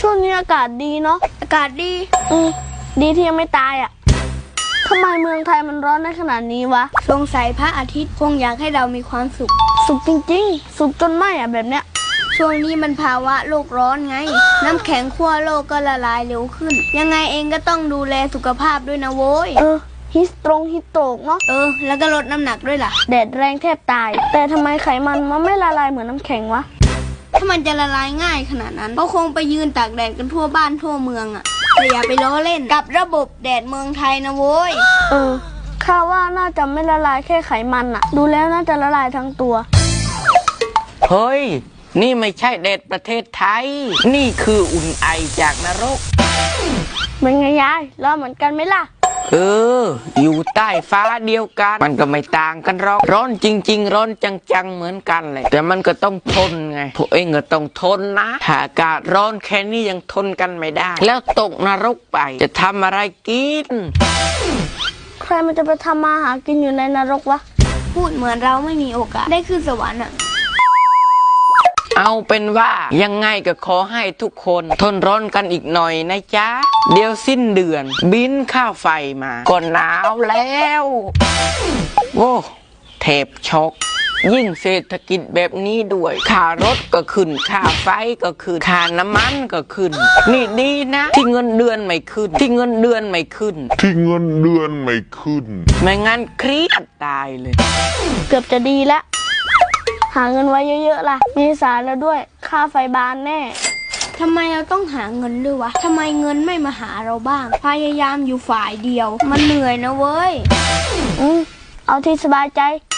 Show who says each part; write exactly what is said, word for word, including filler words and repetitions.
Speaker 1: ช่วงนี้อากาศดีเนาะ
Speaker 2: อากาศดี
Speaker 1: อืมดีที่ยังไม่ตายอ่ะทำไมเมืองไทยมันร้อนได้ขนาดนี้วะ
Speaker 2: สงสัยพระอาทิตย์คงอยากให้เรามีความสุข
Speaker 1: สุกจริงๆสุกจนไหมอ่ะแบบเนี้ย
Speaker 2: ช่วงนี้มันภาวะโลกร้อนไงน้ำแข็งขั้วโลกก็ละลายเร็วขึ้นยังไงเองก็ต้องดูแลสุขภาพด้วยนะโว้ย
Speaker 1: เออฮิสตรงฮิสโตกเนาะ
Speaker 2: เออแล้วก็ลดน้ำหนักด้วยล่ะ
Speaker 1: แดดแรงแทบตายแต่ทำไมไขมันมันไม่ละลายเหมือนน้ำแข็งวะ
Speaker 2: ถ้ามันจะละลายง่ายขนาดนั้นก็คงไปยืนตากแดดกันทั่วบ้านทั่วเมืองอะแต่อย่าไปล้อเล่นกับระบบแดดเมืองไทยนะโว้ย
Speaker 1: เออข้าว่าน่าจะไม่ละลายแค่ไขมันอะดูแล้วน่าจะละลายทั้งตัว
Speaker 3: เฮ้ยนี่ไม่ใช่แดดประเทศไทยนี่คืออุ่นไอจากนรก
Speaker 1: เป็นไงยายร้อนเหมือนกันไหมล่ะ
Speaker 3: เอออยู่ใต้ฟ้าเดียวกันมันก็ไม่ต่างกันหรอกร้อนจริงๆร้อนจังๆเหมือนกันเลยแต่มันก็ต้องทนไงพวกเองก็ต้องทนนะถ้าอากาศร้อนแค่นี้ยังทนกันไม่ได้แล้วตกนรกไปจะทำอะไรกิน
Speaker 1: ใครมันจะไปทำมาหากินอยู่ในนรกวะ
Speaker 2: พูดเหมือนเราไม่มีโอกาสได้ขึ้นสวรรค์อะ
Speaker 3: เอาเป็นว่ายังไงก็ขอให้ทุกคนทนร้อนกันอีกหน่อยนะจ๊ะเดี๋ยวสิ้นเดือนบินค่าไฟมาก็หนาวแล้วโอ้เทปช็อกยิ่งเศรษฐกิจแบบนี้ด้วยค่ารถก็ขึ้นค่าไฟก็ขึ้นค่าน้ำมันก็ขึ้นนี่ดีนะที่เงินเดือนไม่ขึ้นที่เงินเดือนไม่ขึ้น
Speaker 4: ที่เงินเดือนไม่ขึ้น
Speaker 3: ไม่งั้นเครียดตายเลย
Speaker 1: เกือบจะดีแล้วหาเงินไว้เยอะๆล่ะมีสารแล้วด้วยค่าไฟบานแน่
Speaker 2: ทำไมเราต้องหาเงินด้วยวะทำไมเงินไม่มาหาเราบ้างพยายามอยู่ฝ่ายเดียวมันเหนื่อยนะเว้ย
Speaker 1: อืมเอาที่สบายใจ